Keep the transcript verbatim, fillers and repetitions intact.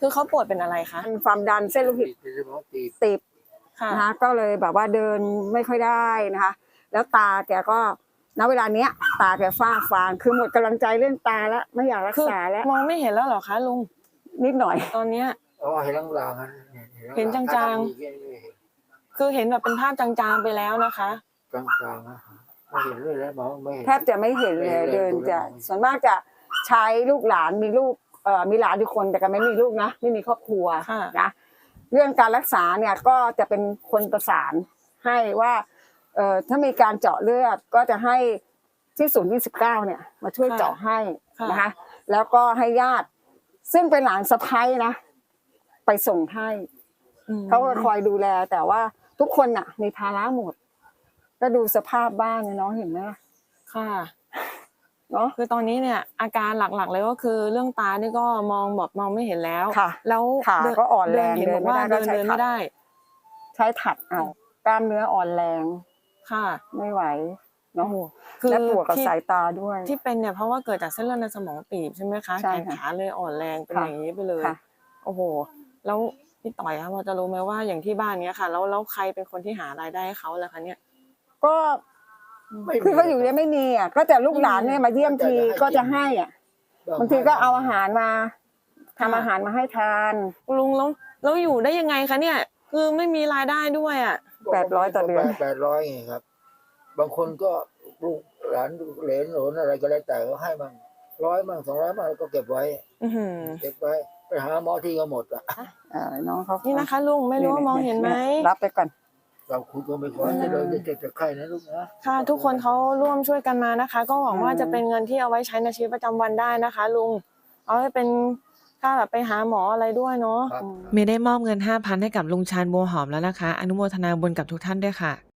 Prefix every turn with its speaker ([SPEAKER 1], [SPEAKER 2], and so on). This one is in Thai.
[SPEAKER 1] คือเขาป่วยเป็นอะไรคะ
[SPEAKER 2] เป็นความดันเส้นโลหิตตีบนะคะก็เลยแบบว่าเดินไม่ค่อยได้นะคะแล้วตาแกก็ณเวลาเนี้ยตาแกฝ้าฟางคือหมดกำลังใจเรื่องตาแล้วไม่อยากรักษาแล้ว
[SPEAKER 1] มองไม่เห็นแล้วเหรอคะลุง
[SPEAKER 2] นิดหน่อย
[SPEAKER 1] ตอนเนี้ย
[SPEAKER 3] อ๋อเห็นลาง
[SPEAKER 1] ๆเห็นจางๆคือเห็นแบบเป็นภาพจางๆไปแล้วนะคะ
[SPEAKER 3] จางๆนะไม่เห็นเลยแล้วมองไม่
[SPEAKER 2] แทบจะไม่เห็นเลยเดินจะส่วนมากจะใช้ลูกหลานมีลูกเอ่อมีหลานทุกคนแต่ก็ไม่มีลูกนะไม่มีครอบครัวนะเรื่องการรักษาเนี่ยก็จะเป็นคนประสานให้ว่าเอ่อถ้ามีการเจาะเลือดก็จะให้ที่ศูนย์ยี่สิบเก้าเนี่ยมาช่วยเจาะให้นะคะแล้วก็ให้ญาติซึ่งเป็นหลานสะใภ้นะไปส่งให้เขาก็คอยดูแลแต่ว่าทุกคนน่ะมีภาระหมดก็ดูสภาพบ้านเนี่ยน้องเห็นไหม
[SPEAKER 1] ค่ะเนาะคือตอนนี้เนี่ยอาการหลักๆเลยก็คือเรื่องตานี่ก็มองแบบมองไม่เห็นแล้ว
[SPEAKER 2] แล้วขาก็อ่อนแรง
[SPEAKER 1] เห็นบอกว่าเดินเดินไม่ได้
[SPEAKER 2] ใช้ถัดเอากล้ามเนื้ออ่อนแรง
[SPEAKER 1] ค่ะ
[SPEAKER 2] ไม่ไหวเนาะและปวดกับสายตาด้วย
[SPEAKER 1] ที่เป็นเนี่ยเพราะว่าเกิดจากเส้นเลือดในสมองตีบใช่ไหมคะแขนขาเลยอ่อนแรงเป็นอย่างนี้ไปเลยโอ้โหแล้วพี่ต่อยคะพอจะรู้ไหมว่าอย่างที่บ้านเนี้ยค่ะแล้วแล้วใครเป็นคนที่หารายได้ให้เขาล่ะคะเนี่ย
[SPEAKER 2] ก็คือเขาอยู่เนี่ยไม่มีอ่ะก็แต่ลูกหลานเนี่ยมาเยี่ยมทีก็จะให้อ่ะบางทีก็เอาอาหารมาทำอาหารมาให้ทาน
[SPEAKER 1] ลุงแล้วแล้วอยู่ได้ยังไงคะเนี่ยคือไม่มีรายได้ด้วยอ่ะ
[SPEAKER 2] แปดร้อยต่อเดือน
[SPEAKER 3] แปดร้อยไงครับบางคนก็ลูกหลานเหลนหลนอะไรก็แล้วแต่ก็ให้มั่งร้อยมั่งสองร้อยมั่งก็เก็บไว้เก็บไว้ไปหาหมอที่ก็หมดอ่ะ
[SPEAKER 2] น้องเขา
[SPEAKER 1] นี่นะคะลุงไม่รู้ว่ามองเห็นไหม
[SPEAKER 2] รับไปก่อน
[SPEAKER 3] เราคุณก็ไม่ขอจะเลยจะเจ็บจะไข้นะลูกนะ
[SPEAKER 1] ค่ะทุกคนเขาร่วมช่วยกันมานะคะก็หวังว่าจะเป็นเงินที่เอาไว้ใช้ในชีวิตประจำวันได้นะคะลุงเอาไว้เป็นค่าแบบไปหาหมออะไรด้วยเนาะ
[SPEAKER 4] เมย์ได้มอบเงิน ห้าพัน ให้กับลุงชาญบัวหอมแล้วนะคะอนุโมทนาบุญกับทุกท่านด้วยค่ะ